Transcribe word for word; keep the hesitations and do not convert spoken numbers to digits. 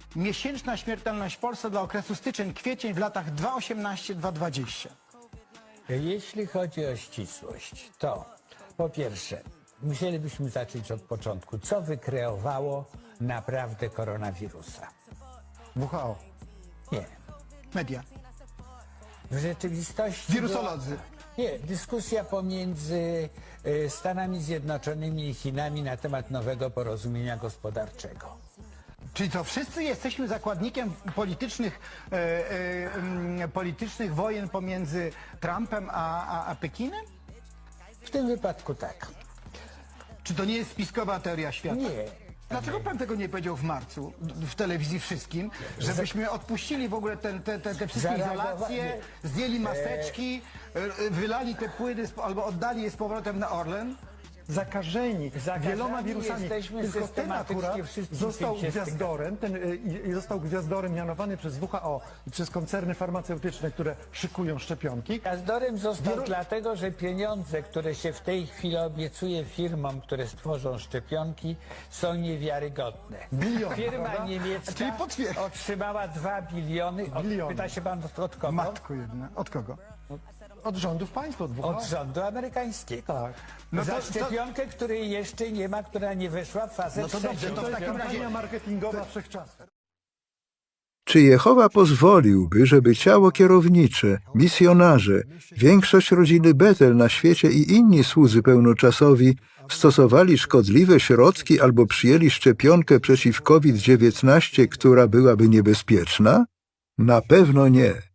Miesięczna śmiertelność w Polsce dla okresu styczeń-kwiecień w latach dwa tysiące osiemnastym do dwa tysiące dwudziestego. Jeśli chodzi o ścisłość, to po pierwsze musielibyśmy zacząć od początku. Co wykreowało naprawdę koronawirusa? W H O. Nie. Media. W rzeczywistości... Wirusolodzy. była- Nie, dyskusja pomiędzy y, Stanami Zjednoczonymi i Chinami na temat nowego porozumienia gospodarczego. Czyli to wszyscy jesteśmy zakładnikiem politycznych, e, e, mm, politycznych wojen pomiędzy Trumpem a, a, a Pekinem? W tym wypadku tak. Czy to nie jest spiskowa teoria świata? Nie. Dlaczego pan tego nie powiedział w marcu w telewizji wszystkim, żebyśmy odpuścili w ogóle te, te, te, te wszystkie Zareagowa- izolacje, nie. zdjęli maseczki, e, wylali te płyny spo- albo oddali je z powrotem na Orlen? Zakażeni, Zakażeni wieloma wirusami. jesteśmy Tylko ten systematycznie akurat wszystkim został tym się gwiazdorem, ten, y, i- i został gwiazdorem mianowany przez W H O i przez koncerny farmaceutyczne, które szykują szczepionki. Gwiazdorem został Wielu- dlatego, że pieniądze, które się w tej chwili obiecuje firmom, które stworzą szczepionki, są niewiarygodne. Biliony, Firma prawda? niemiecka Czyli potwier- otrzymała dwa biliony. Od, Biliony. pyta się pan od kogo? Matko jedna. Od kogo? Od rządów państwa, od W H O. Od rządu amerykańskiego. Tak. No Za to- to- szczepionkę, której jeszcze nie ma, która nie weszła w fazę No to trzecią. dobrze, to w To jest takim kampania razie... marketingowa wszechczasów. Czy Jehowa pozwoliłby, żeby ciało kierownicze, misjonarze, większość rodziny Betel na świecie i inni słudzy pełnoczasowi stosowali szkodliwe środki albo przyjęli szczepionkę przeciw COVID dziewiętnaście, która byłaby niebezpieczna? Na pewno nie.